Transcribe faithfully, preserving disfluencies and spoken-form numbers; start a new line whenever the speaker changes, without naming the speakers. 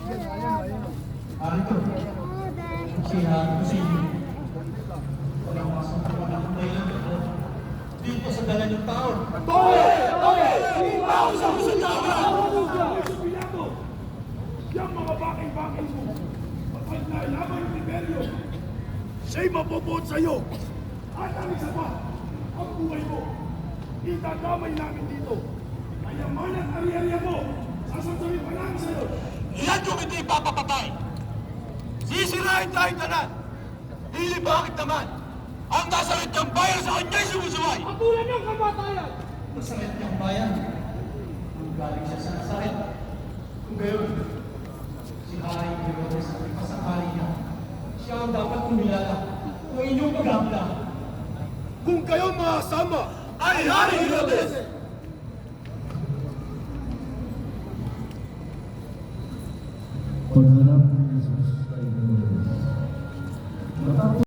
Arito, siya kasi walang masang ng dahilan ko dito sa dala ng tao.
Toge! Toge! Tao sa kusadama! Yang mga bakay-bakay mo, kapag nailaban yung Tiberio, siya'y mapopoot sa'yo. At ang isa pa, ang buhay mo, itadamay namin dito. Ayaman at ari-ariya mo, sasasabihin pa namin sa'yo.
Iyan yung hindi papapatay. Sisirain tayong tanan. Hindi bakit naman? Ang nasakit niyang bayan sa kanya'y sumusuway.
Patulan niyong kamatayan!
Masakit niyang bayan. Kung galing siya sa nasakit. Kung gayon, si Haring Herodes at ipasakali niya. Siya ang dapat kumilala ng inyong paghamla.
Kung kayo makasama,
Ay, Haring Herodes!
Pagharap